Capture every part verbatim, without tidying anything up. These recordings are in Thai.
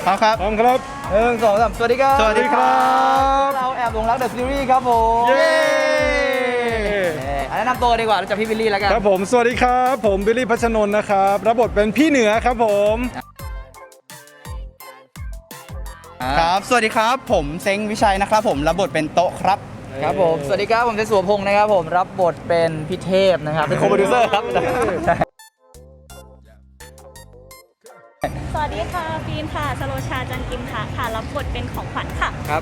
พร้อมครับพร้อมครับหนึ่งสองสามสวัสดีครับสวัสดีครับเราแอบหลงรักเดอะซีรีส์ครับผมเย้แนะนำตัวดีกว่าเราจะพี่บิลลี่แล้วกันครับผมสวัสดีครับผมบิลลี่พัชนนท์นะครับรับบทเป็นพี่เหนือครับผมครับสวัสดีครับผมเซ้งวิชัยนะครับผมรับบทเป็นโต๊ะครับครับผมสวัสดีครับผมเจสัวพงศ์นะครับผมรับบทเป็นพี่เทพนะครับเป็นโคโปรดิวเซอร์ครับสวัสดีค่ะฟีนค่ะสโลชาจันกิมค่ะค่ะรับบทเป็นของขวัญค่ะครับ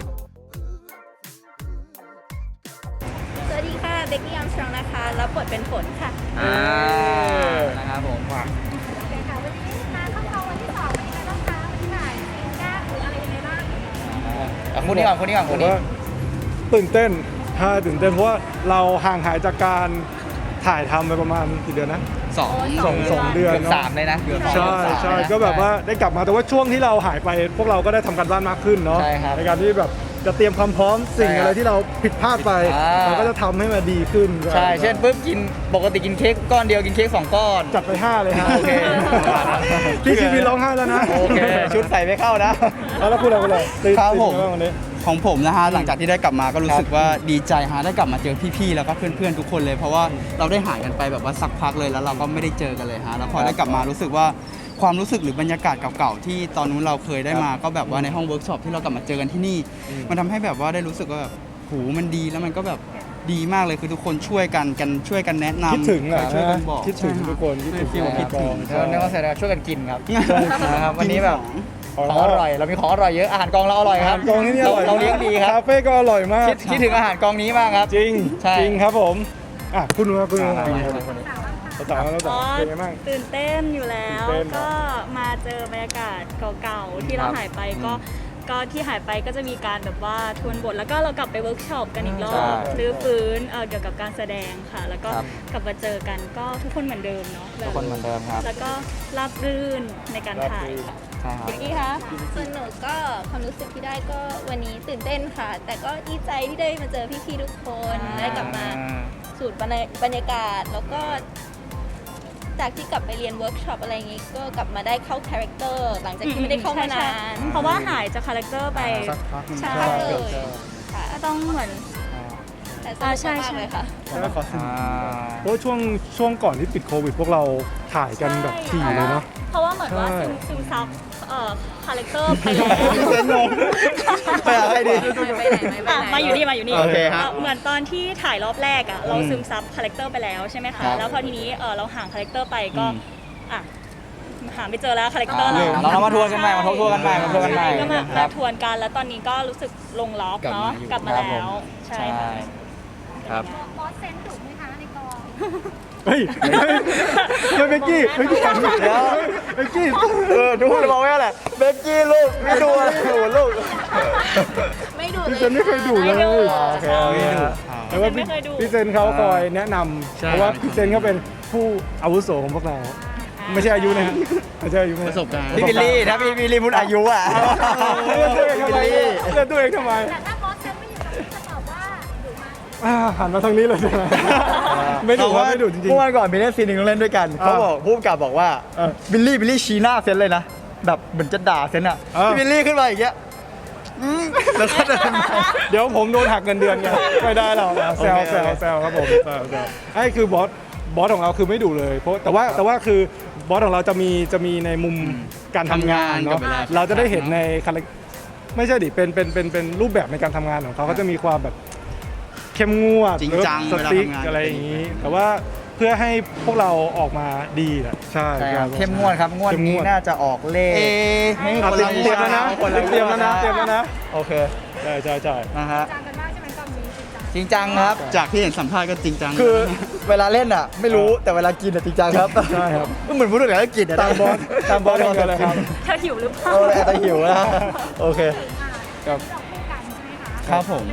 สวัสดีค่ะเบกกี้อัมสตรองนะคะรับบทเป็นฝนค่ะอ่านะครับผมโอเคค่ะวันนี้มาเข้าเขาวันที่สองเป็นยังไงบ้างคะวันที่ไหนฟีนก้าหรืออะไรยังไงบ้างคนนี้ก่อนคนนี้ก่อนคนนี้ตื่นเต้นฮ่าตื่นเต้นเพราะว่าเราห่างหายจากการถ่ายทำไปประมาณกี่เดือนนะสองสองสองเดือนเกือบสามเลยนะใช่ใช่ก็แบบว่าได้กลับมาแต่ว่าช่วงที่เราหายไปพวกเราก็ได้ทำการบ้านมากขึ้นเนาะในการที่แบบจะเตรียมความพร้อมสิ่งอะไรที่เราผิดพลาดไปเราก็จะทำให้มันดีขึ้นใช่เช่นปุ๊บกินปกติกินเค้กก้อนเดียวกินเค้กสองก้อนจัดไปห้าเลยฮะโอเคพี่ชีวิตร้องไห้แล้วนะโอเคชุดใส่ไม่เข้านะแล้วพูดอะไรกันเลยครับผมของผมนะฮะหลังจากที่ได้กลับมาก็รู้สึกว่าดีใจฮะได้กลับมาเจอพี่ๆแล้วก็เพื่อนๆทุกคนเลยเพราะว่าเราได้หายกันไปแบบว่าสักพักเลยแล้วเราก็ไม่ได้เจอกันเลยฮะแล้วพอได้กลับมารู้สึกว่าความรู้สึกหรือบรรยากาศเก่าๆที่ตอนนู้นเราเคยได้มาก็แบบว่าในห้องเวิร์กช็อปที่เรากลับมาเจอกันที่นี่มันทำให้แบบว่าได้รู้สึกว่าแบบหูมันดีแล้วมันก็แบบดีมากเลยคือทุกคนช่วยกันกันช่วยกันแนะนำคิดถึงอ่ะช่วยกันบอกคิดถึงทุกคนคิดถึงคิดถึงแล้วนี่ก็แสดงช่วยกันกินครับนะครับวันนี้แบบของอร่อยเรามีของอร่อยเยอะอาหารกองเราอร่อยครับกองนี้อร่อยเราเลี้ยงดีครับคาเฟ่ก็อร่อยมากคิดถึงอาหารกองนี้มากครับจริงจริงครับผมอ่ะคุณว่าคุณว่าเราต่อเราต่อเป็นไงบ้างตื่นเต้นอยู่แล้วก็มาเจอบรรยากาศเก่าๆที่เราหายไปก็ก็ที่หายไปก็จะมีการแบบว่าทวนบทแล้วก็เรากลับไปเวิร์กช็อปกันอีกรอบรื้อฟื้นเกี่ยวกับการแสดงค่ะแล้วก็กลับมาเจอกันก็ทุกคนเหมือนเดิมเนาะทุกคนเหมือนเดิมครับแล้วก็ราบรื่นในการถ่ายค่ะเมื่อกี้คะส่วนหนูก็ความรู้สึกที่ได้ก็วันนี้ตื่นเต้นค่ะแต่ก็ดีใจที่ได้มาเจอพี่ๆทุกคนได้กลับมาสูตรบรรยากาศแล้วก็จากที่กลับไปเรียนเวิร์กช็อปอะไรอย่างงี้ก็กลับมาได้เข้าคาแรคเตอร์หลังจากที่ไม่ได้เข้ามานานเพราะว่าหายจากคาแรคเตอร์ไปใช่เลยก็ต้องเหมือนแต่สนุกมากเลยค่ะเพราะช่วงช่วงก่อนที่ปิดโควิดพวกเราถ่ายกันแบบถี่เลยเนาะเพราะว่าเหมือนว่าซึมซับคาแรคเตอร์ไปแล้วไปอะไรดีมาอยู่นี่มาอยู่นี่โอเคครับเหมือนตอนที่ถ่ายรอบแรกอ่ะเราซึมซับคาแรคเตอร์ไปแล้วใช่ไหมคะแล้วพอทีนี้เราห่างคาแรคเตอร์ไปก็อ่ะหาไม่เจอแล้วคาแรคเตอร์เราเรามาทวนกันใหม่มาทบทวนกันใหม่มาทวนกันใหม่ก็มาทวนกันแล้วตอนนี้ก็รู้สึกลงล็อกเนาะกลับมาแล้วใช่ครับบอสเซนถูกไหมคะในกองเฮ้ยเฮ้ยเบกกี้เฮ้ยเดี๋ยวเบกกี้เออดูเลยบอกว่าอะไรเบกกี้ลูกไม่ดูอะไรโหลูกไม่ดูพี่เซนไม่เคยดูเลยโอเคไม่ดูแต่ว่าพี่เซนเขาคอยแนะนำเพราะว่าพี่เซนเขาเป็นผู้อาวุโสของพวกเราไม่ใช่อายุนะไม่ใช่อายุประสบการณ์พี่บิลลี่ถ้าพี่บิลลี่พูดอายุอ่ะเลือกตัวเองทำไมเลือกตัวเองทำไมแต่ถ้าบอสเซนไม่อยู่กับพี่จะตอบว่าดุมากหันมาทางนี้เลยใช่ไหมไม่ดุว่าไม่ดุจริงๆเมื่อวันก่อนมีเล่นซีนหนึ่งเล่นด้วยกันเขาบอกผู้กำกับบอกว่าบิลลี่บิลลี่ชี้หน้าเซนเลยนะแบบเหมือนจะด่าเซนอ่ะพี่บิลลี่ขึ้นมาอย่างเงี้ยแล้วก็เดี๋ยวผมโดนหักเงินเดือนไงไม่ได้หรอกแซวแซวแซวครับผมแซวแซวไอ้คือบอสบอสของเราคือไม่ดุเลยเพราะแต่ว่าแต่ว่าคือบอสของเราจะมีจะมีในมุมการทำงานเนาะเราจะได้เห็นในคาแรคไม่ใช่ดิเป็นเป็นเป็นเป็นรูปแบบในการทำงานของเขาเขาจะมีความแบบเข้มงวดจริงจังสติ๊กอะไรอย่างนี้แต่ว่าเพื่อให้พวกเราออกมาดีแหละใช่เข้มงวดครับงวดนี้น่าจะออกเลขไม่คนละเตรียมแล้วนะเตรียมแล้วนะเตรียมแล้วนะโอเคใช่ใช่ใช่นะฮะจริงจังครับจากที่เห็นสัมภาษณ์ก็จริงจังคือเวลาเล่นอ่ะไม่รู้แต่เวลากินอ่ะจริงจังครับใช่ครับเหมือนพูดถึงแล้วกินอ่ะตามบอสตามบอสเลยครับเธอหิวหรือเปล่าเออแต่หิวนะโอเคครับครับผม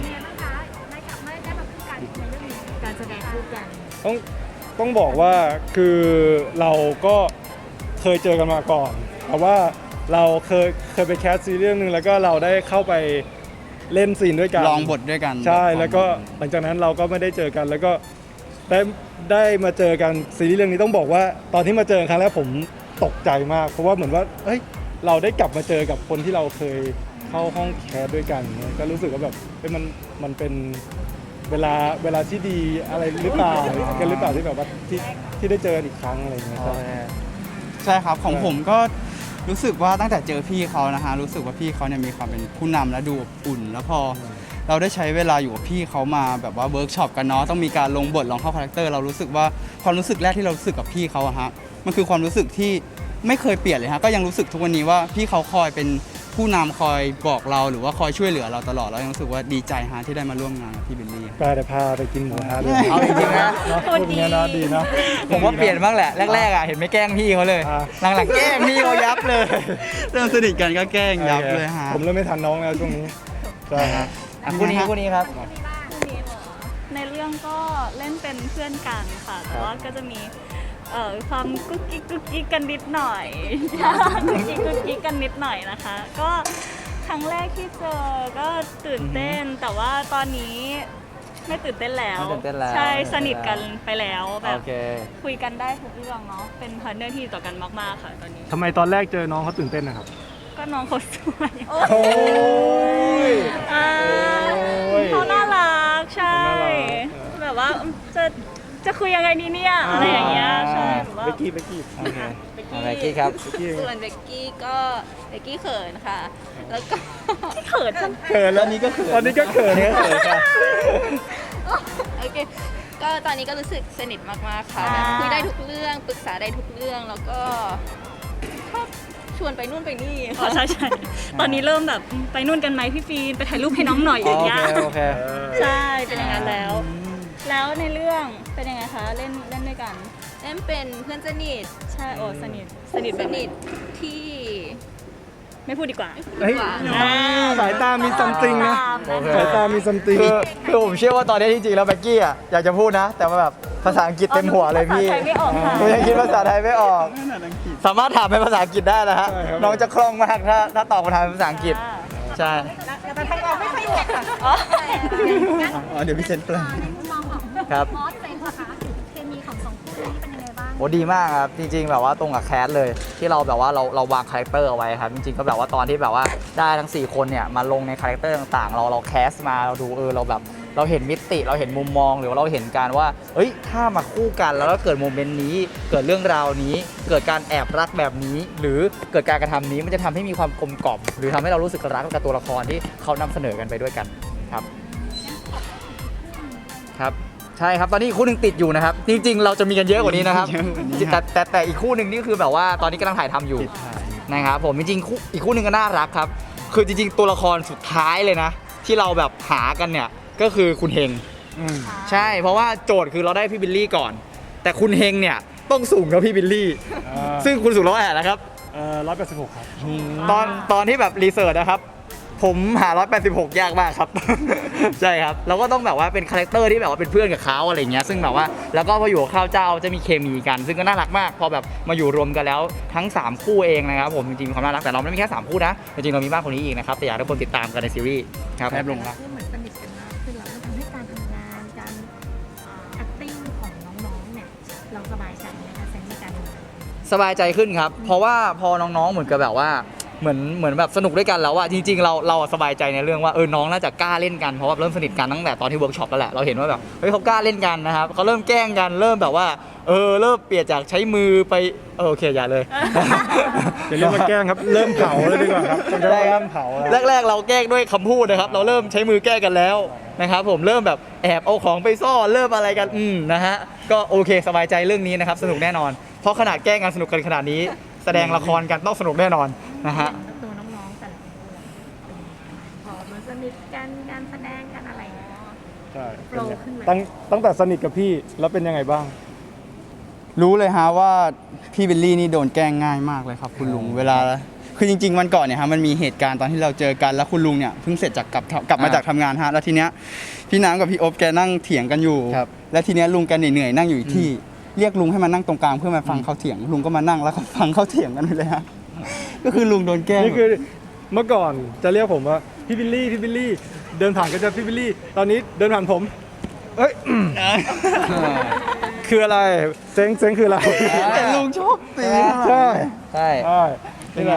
การแสดงคู่กันต้องต้องบอกว่าคือเราก็เคยเจอกันมาก่อนแต่ว่าเราเคยเคยไปแคสซีรีส์เรื่องนึงแล้วก็เราได้เข้าไปเล่นซีนด้วยกันลองบทด้วยกันใช่แล้วก็หลังจากนั้นเราก็ไม่ได้เจอกันแล้วก็ได้ได้มาเจอกันซีรีส์เรื่องนี้ต้องบอกว่าตอนที่มาเจอครั้งแรกผมตกใจมากเพราะว่าเหมือนว่าเฮ้ยเราได้กลับมาเจอกับคนที่เราเคยเข้าห้องแคสด้วยกันเนี่ยก็รู้สึกว่าแบบเอ้ยมันมันเป็นเวลาเวลาที่ดีอะไรหรือเปล่ากันหรือเปล่าที่แบบว่าที่ที่ได้เจอกันอีกครั้งอะไรอย่างเงี้ยครับใช่ครับของผมก็รู้สึกว่าตั้งแต่เจอพี่เขานะฮะรู้สึกว่าพี่เขาเนี่ยมีความเป็นผู้นำและดูอบอุ่น แล้วพอเราได้ใช้เวลาอยู่กับพี่เขามาแบบว่าเวิร์กช็อปกันเนาะต้องมีการลงบทลองเข้าคาแรคเตอร์เรารู้สึกว่าความรู้สึกแรกที่เรารู้สึกกับพี่เขาอะฮะมันคือความรู้สึกที่ไม่เคยเปลี่ยนเลยฮะก็ยังรู้สึกทุกวันนี้ว่าพี่เขาคอยเป็นผู้นำคอยบอกเราหรือว่าคอยช่วยเหลือเราตลอดแล้วยังรู้สึกว่าดีใจฮะที่ได้มาร่วมงานกับพี่บิลลี่ไปเดี๋ยวพาไปกินหมูกระทะเลยเอาจริงๆนะเนาะพูดอย่างเงี้ยนะดีเนาะผมว่าเปลี่ยนบ้างแหละแรกๆอ่ะเห็นไม่แกล้งพี่เขาเลยอ่าหลังๆแกล้งพี่เขายับเลยเริ่มสนิทกันก็แกล้งยับเลยฮะผมเริ่มไม่ทันน้องแล้วช่วงนี้ใช่ฮะอ่ะคู่นี้คู่นี้ครับในเรื่องก็เล่นเป็นเพื่อนกันค่ะ แต่ว่าก็จะมีเอ่อความกุ๊กกิ๊กกุ๊กกิ๊กกันนิดหน่อย กุ๊กกิ๊กกุ๊กกิ๊กกันนิดหน่อยนะคะ ก็ครั้งแรกที่เจอก็ตื่นเต้น แต่ว่าตอนนี้ไม่ตื่นเต้นแล้วไม่ตื่นเต้นแล้วใช่สนิทกันไปแล้วแบโอบ เคคุยกันได้ทุกเรื่องเนาะเป็นพาร์ทเนอร์ที่ดีต่อกันมากๆค่ะตอนนี้ทำไมตอนแรกเจอน้องเขาตื่นเต้นนะครับก็น้องเขาสวยโอ้ยอ่าโอ้ยเขาน่ารักใช่เขาน่ารักแบบว่าจะจะคุยยังไงดีเนี่ยอะไรอย่างเงี้ยใช่แบบว่าเบกกี้เบกกี้โอเคอะไรกี้ครับเบกกี้ส่วนเบกกี้ก็เบกกี้เขินค่ะ แล้วก็เขินจังเขินแล้วนี้ก็เขินตอนนี้ก็เขินเขินค่ะโอเค ก็ตอนนี้ก็รู้สึกสนิทมากๆค่ะแบบคุยได้ทุกเรื่องปรึกษาได้ทุกเรื่องแล้วก็ชอบชวนไปนู่นไปนี่อ๋อใช่ใช่ตอนนี้เริ่มแบบไปนู่นกันไหมพี่ฟีนไปถ่ายรูปให้น้องหน่อยอโอย่างเงี้เคยโอเคใช่เป็นอย่างนั้นแล้ว แล้วในเรื่องเป็นยังไงคะเล่นเล่นด้วยกันเล่นเป็นเพื่อนสนิทใช่โอ้สนิทสนิทสแบบไหนิทที่ไม่พูดดีกว่าเฮ้ยอ่าสายตามีซัมติงนะโอเคสายตามีซัมติงคือคือผมเชื่อว่าตอนนี้ที่จริงแล้วแบ็กกี้อ่ะอยากจะพูดนะ แต่ว่าแบบภาษาอังกฤษเต็มหัวเลยพี่ภาษาไทยไม่ออกค่ะผมยังคิดภาษาไทยไม่ออก สามารถถามเป็นภาษาอังกฤษได้นะฮะใช่ครับน้องจะคล่องมากถ้าถ้าตอบคำถามเป็นภาษาอังกฤษ ใช่อ๋ออ๋อเดี๋ยวพี่เซนแปลในมุมมองของครับมอสเป็นนะคะเคมีของสองคู่นี้เป็นยังไงบ้างโอ้ดีมากครับ จริง ๆ แบบว่าตรงกับแคสเลย ที่เราแบบว่าเราเราวางคาแรคเตอร์เอาไว้ครับ จริงๆก็แบบว่าตอนที่แบบว่าได้ทั้งสี่คนเนี่ยมาลงในคาแรคเตอร์ต่างๆ เราเราแคสมาเราดูเออเราแบบเราเห็นมิติเราเห็นมุมมองหรือว่าเราเห็นการว่าเอ้ยถ้ามาคู่กันแล้วก็เกิดโมเมนต์นี้ เกิดเรื่องราวนี้ เกิดการแอบรักแบบนี้ หรือเกิดการกระทำนี้มันจะทำให้มีความกลมกล่อมหรือทำให้เรารู้สึกรักกับตัวละครที่เขานำเสนอกันไปด้วยกันครับครับใช่ครับตอนนี้อีกคู่หนึ่งติดอยู่นะครับ จริง ๆ เราจะมีกันเยอะกว่านี้นะครับเยอะกว่านี้แต่แต่แต่อีกคู่หนึ่งนี่คือแบบว่าตอนนี้กำลังถ่ายทำอยู่ติดถ่ายนะครับผมจริงๆคู่อีกคู่หนึ่งก็น่ารักครับ คือจริงๆ ตัวละครสุดท้ายเลยนะ ที่เราแบบหากันเนี่ยก็คือคุณเฮงอืมใช่เพราะว่าโจทย์คือเราได้พี่บิลลี่ก่อน แต่คุณเฮงเนี่ยต้องสูงกว่าพี่บิลลี่ ซึ่งคุณสูงร้อยแปดแล้วครับเอ่อร้อยแปดสิบหกครับตอนตอนที่แบบรีเสิร์ชนะครับ ผมหาร้อยแปดสิบหกยากมากครับ ใช่ครับเราก็ต้องแบบว่าเป็นคาแรคเตอร์ที่แบบว่าเป็นเพื่อนกับเขาอะไรเงี้ยซึ่งแบบว่าแล้วก็พออยู่กับข้าวเจ้าจะมีเคมีกัน ซึ่งก็น่ารักมากพอแบบมาอยู่รวมกันแล้วทั้งสามคู่เองนะครับผมจริงๆมีความน่ารักแต่เราไม่ได้มีแค่สามคู่นะจริงๆเรามีมากกว่านี้อีกนะครับแต่อยากให้ทุกคนติดตามกันในซีรีส์ครับแอบลงรักคือเหมือนสนิทกันมากขึ้นแล้วมันทำให้การทำงานการอ่า acting ของน้องๆเนี่ยเราสบายใจไหมคะเซนส์ในการทำงานสบายใจขึ้นครับ เพราะว่าพอน้องๆ เหมือนกับแบบว่าเหมือนเหมือนแบบสนุกด้วยกันแล้วอะจริงๆ เราเราสบายใจในเรื่องว่าเออน้องน่าจะกล้าเล่นกันเพราะว่าเริ่มสนิทกันตั้งแต่ตอนที่เวิร์กช็อปแล้วแหละเราเห็นว่าแบบเฮ้ยเขากล้าเล่นกันนะครับเขาเริ่มแกล้งกันเริ่มแบบว่าเออเริ่มเปลี่ยนจากใช้มือไปเออโอเคอย่าเลยอย่าเรียกว่าแกล้งครับ เริ่มเผาเลยดีกว่าครับมันจะได้ครัเริ่บมเผาแล้วแรกๆ เราแกล้งด้วยคำพูดนะครับ เราเริ่มใช้มือแกล้งกันแล้วนะครับผมเริ่มแบบแอบเอาของไปซ่อนเริ่มอะไรกันอืมนะฮะก็โอเคสบายใจเรื่องนี้นะครับสนุกแน่นอน เพราะขนาดแกล้งกันสนุกกันขนาดนี้ แสดงละครกันต้องสนุกแน่นอนนะฮะตัวน้องๆแต่ละคนเป็นยังไงพอมาสนิทกันการแสดงกันอะไรอย่างเงี้ยใช่โปรขึ้นไหมตั้งตั้งแต่สนิทกับพี่แล้วเป็นยังไงบ้างรู้เลยฮะว่าพี่บิลลี่นี่โดนแกล้งง่ายมากเลยครับคุณลุงเวลาคือจริง ๆ วันก่อนเนี่ยฮะมันมีเหตุการณ์ตอนที่เราเจอกันแล้วคุณลุงเนี่ยเพิ่งเสร็จจากกลับกลับมาจากทำงานฮะแล้วทีเนี้ยพี่น้ำกับพี่โอ๊บแกนั่งเถียงกันอยู่ครับแล้วทีเนี้ยลุงแกเหนื่อยๆนั่งอยู่อีกที่เรียกลุงให้มานั่งตรงกลางเพื่อมาฟังเขาเถียงลุงก็มานั่งแล้วก็ฟังเขาเถียงกันไปเลยฮะก็คือลุงโดนแกล้งนี่คือเมื่อก่อนจะเรียกผมว่าพี่บิลลี่พี่บิลลี่เดินผ่านก็จะพี่บิลลี่ตอนนี้เดินผ่านผมเอ้ย คืออะไรเซ็งเซ็งคืออะไรแต่ลุงชอบตีใช่ใช่ใช่นี่แหละฮะ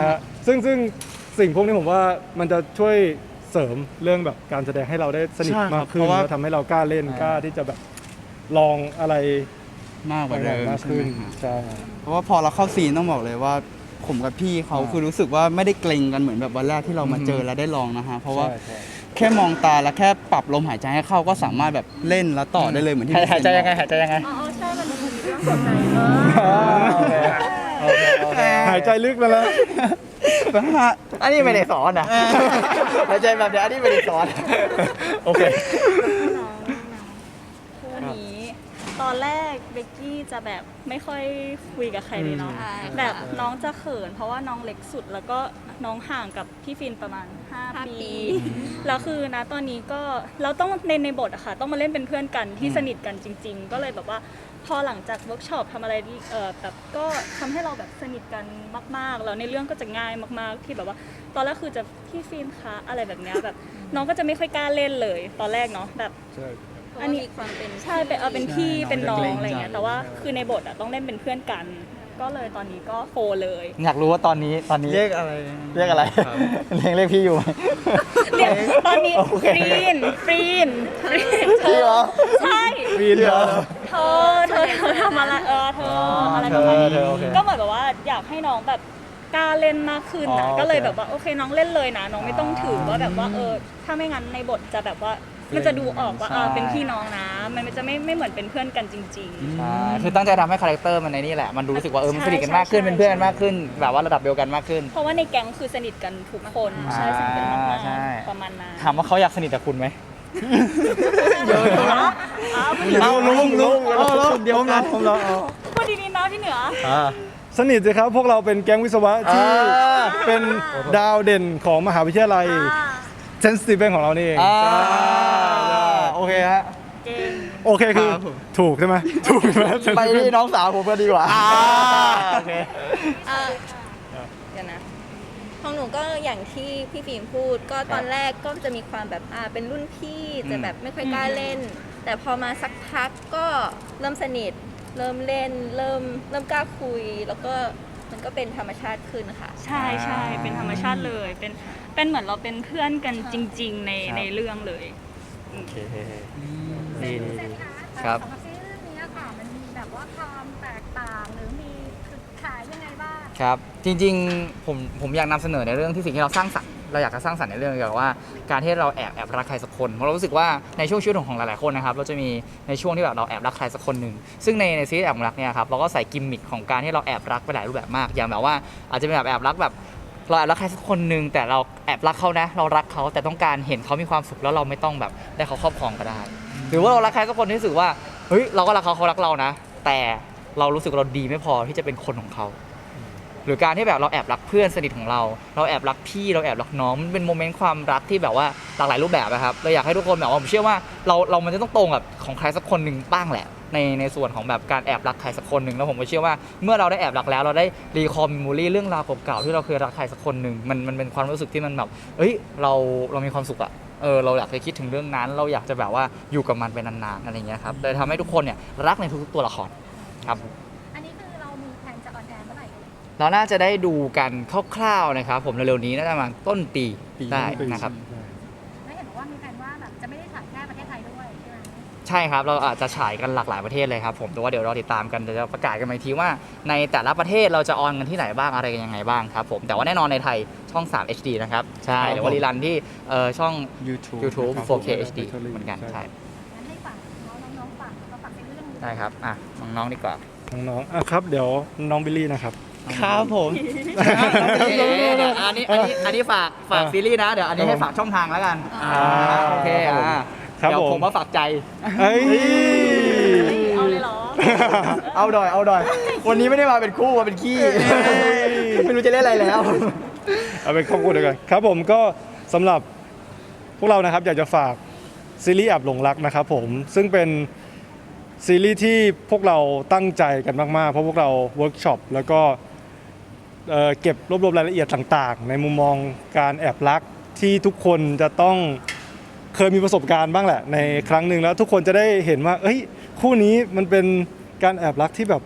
ซึ่งซึ่งสิ่งพวกนี้ผมว่ามันจะช่วยเสริมเรื่องแบบการแสดงให้เราได้สนิทใช่ครับมากขึ้นเพราะว่าแล้วทำให้เรากล้าเล่นกล้าที่จะแบบลองอะไรมากกว่าเดิมมากใช่ขึ้ไหมนครับใช่เพราะว่าพอเราเข้าซีนต้องบอกเลยว่าผมกับพี่เขาคือรู้สึกว่าไม่ได้เกรงกันเหมือนแบบวันแรกที่เรามาเจอและได้ลองนะฮะเพราะว่าใช่ใช่แค่มองตาและแค่ปรับลมหายใจให้เข้าก็สามารถแบบเล่นแล้วต่อได้เลยเหมือนที่หายพี่หายใจเซนยังไงบอกหายใจยังไงอ๋อใช่มันมีเรื่องหัวใจเออโอเคโอเคโอเคหายใจลึกมาแล้วแบบว่าอันนี้ไม่ได้สอนนะหายใจแบบเนี้ยอันนี้ไม่ได้สอนโอเคน้องคู่นี้ตอนแรกเบกกี้จะแบบไม่ค่อยคุยกับใครเลยเนาะอืมแบบน้องจะเขิน เพราะว่าน้องเล็กสุดแล้วก็น้องห่างกับพี่ฟินประมาณห้า 5 ปีปี แล้วคือนะตอนนี้ก็เราต้องในในบทอะค่ะต้องมาเล่นเป็นเพื่อนกันที่สนิทกันจริง ๆ ก็เลยแบบว่าพอหลังจากเวิร์กช็อปทำอะไรที่เออแบบก็ทำให้เราแบบสนิทกันมากๆแล้วในเรื่องก็จะง่ายมากๆที่แบบว่า ตอนแรกคือจะพี่ฟินคะอะไรแบบเนี้ยแบบน้องก็จะไม่ค่อยกล้าเล่นเลย ตอนแรกเนาะแบบใช่เพราะอันว่านี้มีความเป็นใช่เป็นเออเป็นพี่ใช่เป็นน้อน้อง งจะเกรงอะไรเงี้ยใจแต่ว่าคือในบทอะต้องเล่นเป็นเพื่อนกัน ก็เลยตอนนี้ก็โฟเลยอยากรู้ว่าตอนนี้ตอนนี้เรียกอะไรเรียกอะไรครับเรียกเรียกพี่อยู่ไหมเรียกตอนนี้โอเคฟรีนฟรีนฟรีนเธพี่อเหรอใช่วีนเหรอเธอเธอเธอทำอะไรเออเธออะไรประมาณเธอนี้เธอโอเคก็เหมือนแบบว่าอยากให้น้องแบบกล้าเล่นมากขึ้นอ๋นะอก็เลยโอเคแบบว่าโอเคน้องเล่นเลยนะน้องไม่ต้องถือว่าแบบว่าเออถ้าไม่งั้นในบทจะแบบว่ามันจะดูออกว่าใช่เออเป็นพี่น้องนะ มันจะไม่ไม่เหมือนเป็นเพื่อนกันจริง ๆใช่คือตั้งใจทำให้คาแรคเตอร์มันในนี่แหละ มันรู้สึกว่าเออ มันใช่สนิทกันมากขึ้นใช่เป็นเพื่อนกันมากขึ้น แบบว่าระดับเดียวกันมากขึ้นเพราะว่าในแก๊งคือสนิทกันทุกคนใช่สนิทกันมากใช่ๆประมาณนั้นถามว่าเขาอยากสนิทกับคุณไหมเดี๋ยวนะอ้าวเอาลุงลุงเอาลุงเดี๋ยวกันผมรอเอาพูดดีๆนะพี่เหนือสนิทสิครับพวกเราเป็นแก๊งวิศวะที่อ่าเป็นดาวเด่นของมหาวิทยาลัยอ่าเซนส์ติเวนของเรานี่เองอ่าใช่โอเคฮะเก่งโอเคคือครับผมถูกใช่ไหมถูกใช่ไหมไปที่น้องสาวผมก็ดีกว่าโอเคเอ่อเดี๋ยวนะของหนูก็อย่างที่พี่ฟิล์มพูด ก็ตอนแรกก็จะมีความแบบอ่าเป็นรุ่นพี่จะแบบไม่ค่อยกล้าเล่น แต่พอมาสักพักก็เริ่มสนิท เริ่มเล่น เริ่มเริ่มกล้าคุย แล้วก็มันก็เป็นธรรมชาติขึ้นค่ะใช่ใช่เป็นธรรมชาติเลย เป็นเป็นเหมือนเราเป็นเพื่อนกันจริง ๆ ในครับในเรื่องเลยโอเคดีดีเซนดีคะครับสำหรับซีรีส์เรื่องนี้ค่ะ มันมีแบบว่าความแตกต่างหรือมีจุดขายยังไงบ้างครับ จริงๆ ผมผมอยากนำเสนอในเรื่องที่สิ่งที่เราสร้างสรรค์เราอยากจะสร้างสรรค์ในเรื่องเกี่ยวกับว่าการที่เราแอบแอบรักใครสักคนเพราะเรารู้สึกว่าในช่วงชีวิตของหลายๆคนนะครับเราจะมีในช่วงที่แบบเราแอบรักใครสักคนหนึ่งซึ่งในในซีรีส์แอบรักเนี่ยครับเราก็ใส่กิมมิคของการที่เราแอบรักไปหลายรูปแบบมาก อย่างแบบว่าอาจจะเป็นแบบแอบรักแบบเราแอบรักใครสักคนหนึ่งแต่เราแอบรักเขานะ เรารักเขาแต่ต้องการเห็นเขามีความสุขแล้วเราไม่ต้องแบบได้เขาครอบครองก็ได้ หรือว่าเรารักใครสักคนที่รู้สึกว่าเฮ้ยเราก็รักเขาเขารักเรานะ แต่เรารู้สึกเราดีไม่พอที่จะเป็นคนของเขา หรือการที่แบบเราแอบรักเพื่อนสนิทของเรา เราแอบรักพี่เราแอบรักน้องมันเป็นโมเมนต์ความรักที่แบบว่าหลากหลายรูปแบบนะครับเราอยากให้ทุกคนแบบว่าผมเชื่อว่าเราเรามันจะต้องตรงกับของใครสักคนหนึ่งบ้างแหละในในส่วนของแบบการแอบรักใครสักคนหนึ่งแล้วผมก็เชื่อว่าเมื่อเราได้แอบรักแล้วเราได้รีคอมมิมูรี่เรื่องราวเก่าๆที่เราเคยรักใครสักคนหนึ่งมันมันเป็นความรู้สึกที่มันแบบเอ้ยเราเรามีความสุขอะเออเราอยากจะคิดถึงเรื่องนั้น เราอยากจะแบบว่าอยู่กับมันไปนานๆอะไรอย่างเงี้ยครับเลยทำให้ทุกคนเนี่ยรักในทุกๆตัวละครครับอันนี้คือเรามีแผนจะออนแอร์เมื่อไหร่เอ่ยเราน่าจะได้ดูกันคร่าวๆนะครับผมเร็วๆนี้น่าจะประมาณต้นปีได้นะครับแล้วเห็นบอกว่ามีแผนว่าแบบจะไม่ได้ถ่ายแค่ประเทศไทยด้วยใช่ไหมใช่ครับเราอาจจะฉายกันหลากหลายประเทศเลยครับผมแต่ว่าเดี๋ยวเราติดตามกันเดี๋ยวจะประกาศกันอีกทีว่าในแต่ละประเทศเราจะออนกันที่ไหนบ้างอะไรกันยังไงบ้างครับผมแต่ว่าแน่นอนในไทยช่อง ทรี เอช ดี นะครับใช่หรือว่ารีรันที่เอ่อช่อง YouTube YouTube ครับโฟร์เค เอช ดี เหมือนกันใช่งั้นให้ฝากน้องน้องๆฝากแล้วก็ฝากในเรื่องนี้ได้ครับอ่ะน้องๆดีกว่าน้องๆอ่ะครับเดี๋ยวน้องบิลลี่นะครับครับผมอันนี้อันนี้อันนี้ฝากฝากซีรีส์นะเดี๋ยวอันนี้ให้ฝากช่องทางแล้วกันอ่าโอเคอ่าครับเดี๋ยวผมผมมาฝากใจเอ้ยเอาเลยเหรอเอาดอยเอาดอย วันนี้ไม่ได้มาเป็นคู่มาเป็นขี้ ไม่รู้จะเล่นอะไรแล้วเอาเป็นครอบครัวเดียวกันครับผมก็สำหรับพวกเรานะครับอยากจะฝากซีรีส์แอบหลงรักนะครับผมซึ่งเป็นซีรีส์ที่พวกเราตั้งใจกันมากๆเพราะพวกเราเวิร์กช็อปแล้วก็เอ่อเก็บรวบรวมรายละเอียดต่างๆ ในมุมมองการแอบรักที่ทุกคนจะต้องเคยมีประสบการณ์บ้างแหละในครั้งหนึ่งแล้วทุกคนจะได้เห็นว่าเอ้ยคู่นี้มันเป็นการแอบรักที่แบบ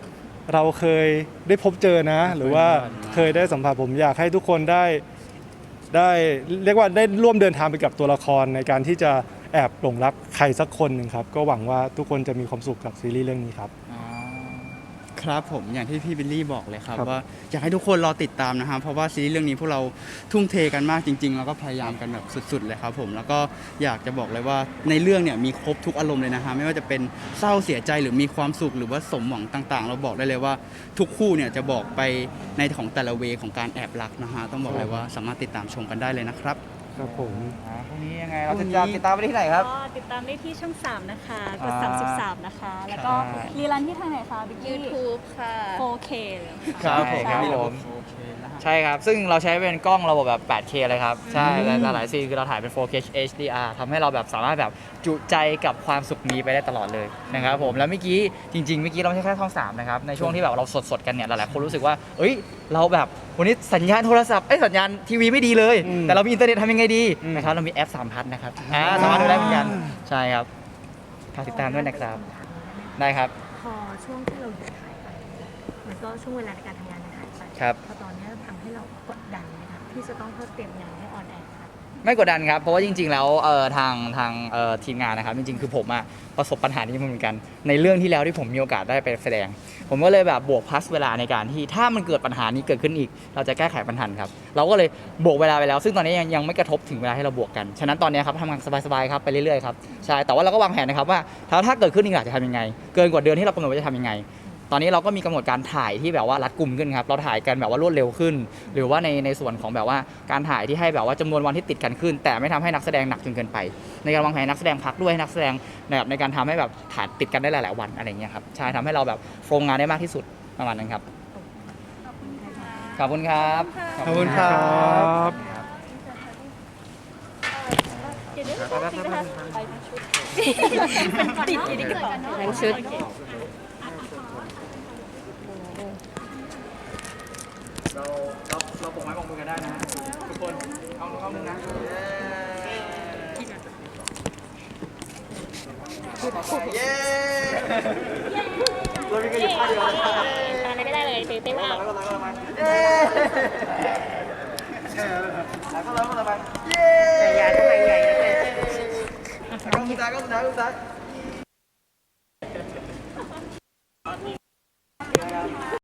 เราเคยได้พบเจอนะ หรือว่าเคยได้สัมผัสผมอยากให้ทุกคนได้ได้เรียกว่าได้ร่วมเดินทางไปกับตัวละครในการที่จะแอบหลงรักใครสักคนหนึ่งครับก็หวังว่าทุกคนจะมีความสุขกับซีรีส์เรื่องนี้ครับครับผมอย่างที่พี่บิลลี่บอกเลยครับครับว่าอยากให้ทุกคนรอติดตามนะฮะเพราะว่าซีรีส์เรื่องนี้พวกเราทุ่มเทกันมากจริง ๆ แล้วก็พยายามกันแบบสุด ๆ เลยครับผมแล้วก็อยากจะบอกเลยว่าในเรื่องเนี่ยมีครบทุกอารมณ์เลยนะฮะไม่ว่าจะเป็นเศร้าเสียใจหรือมีความสุขหรือว่าสมหวังต่าง ๆ เราบอกได้เลยว่าทุกคู่เนี่ยจะบอกไปในของแต่ละเวของการแอบรักนะฮะต้องบอกเลยว่าสามารถติดตามชมกันได้เลยนะครับครับผมอ่าพรุ่งนี้ยังไงเราจะจะติดตามไปที่ไหนครับก็ติดตามได้ที่ช่อง สาม นะคะ กดอ่าสามสิบสาม นะคะ แล้วก็ใช่รีรันที่ทางไหนคะบิ๊กกี้ YouTube ค่ะโฟร์เค เลยค่ะครับผมใช่ครับผม ใช่ครับ ซึ่งเราใช้เป็นกล้องระบบแบบ แปดเค เลยครับ ใช่และหลายๆซีนคือเราถ่ายเป็น โฟร์เค เอช ดี อาร์ ทำให้เราแบบสามารถแบบจุใจกับความสุขนี้ไปได้ตลอดเลยนะครับผม แล้วเมื่อกี้จริงๆ เมื่อกี้เราไม่ใช่แค่ช่องสามนะครับ ในช่วงที่แบบเราสดๆ กันเนี่ย หลายๆ คนรู้สึกว่า เอ้ย เราแบบวันนี้สัญญาณโทรศัพท์ เอ้ย สัญญาณทีวีไม่ดีเลยอืมแต่เรามีอินเทอร์เน็ตทำยังไงดีอืมนะครับ เรามีแอปสามพันนะครับ อ่า สามารถดูได้เหมือนกัน ใช่ครับฝากติดตามด้วยนะครับ ได้ครับพอช่วงที่เราหยุดถ่ายไปมันก็ช่วงเวลาในการทำงานมันหายไปครับพอตอนนี้ทำให้เรากดดันนะคะที่จะต้องเพิ่มเตรียมงานให้ออนแอร์ค่ะไม่กดดันครับ เพราะว่าจริง ๆ แล้วเอ่อทางทางเอ่อทีมงานนะครับ จริง ๆ คือผมอะประสบปัญหานี้มาเหมือนกัน ในเรื่องที่แล้วที่ผมมีโอกาสได้ไปแสดง ผมก็เลยแบบบวกพัสเวลาในการที่ถ้ามันเกิดปัญหานี้เกิดขึ้นอีก เราจะแก้ไขปัญหาครับ เราก็เลยบวกเวลาไปแล้ว ซึ่งตอนนี้ยังยังไม่กระทบถึงเวลาให้เราบวกกัน ฉะนั้นตอนนี้ครับทำงานสบายๆครับไปเรื่อยๆครับ ใช่ แต่ว่าเราก็วางแผนนะครับว่าถ้าถ้าเกิดขึ้นอีกอยากจะทำยังไง เกินกว่าเดือนที่เรากำหนดว่าจะทำยังไง ตอนนี้เราก็มีกำหนดการถ่ายที่แบบว่ารัดกุมขึ้นครับ เราถ่ายกันแบบว่ารวดเร็วขึ้น หรือว่าในในส่วนของแบบว่าการถ่ายที่ให้แบบว่าจำนวนวันที่ติดกันขึ้น แต่ไม่ทำให้นักแสดงหนักจนเกินไป ในการวางแผนนักแสดงพักด้วยให้นักแสดงแบบในการทำให้แบบถ่ายติดกันได้หลาย ๆ วันอะไรเงี้ยครับ ใช่ทำให้เราแบบโฟล์งานได้มากที่สุดประมาณนั้นครับ ขอบคุณครับขอบคุณครับเดี๋ยวเดี๋ยวจริงนะคะไปทั้งชุดเป็นติดอยู่ในกระเป๋าทั้งชุดเราเราเราปกไม้ปกมือกันได้นะทุกคนเอาเข้ามือนะเย้เรามีกันอยู่ข้างเดียวอะไรไม่ได้เลยตื่นเต้นมากเย้แล้วก็เราก็เราไปเย้ใหญ่ทำไมใหญ่เลยก็สุดท้ายก็สุดท้ายก็สุดท้าย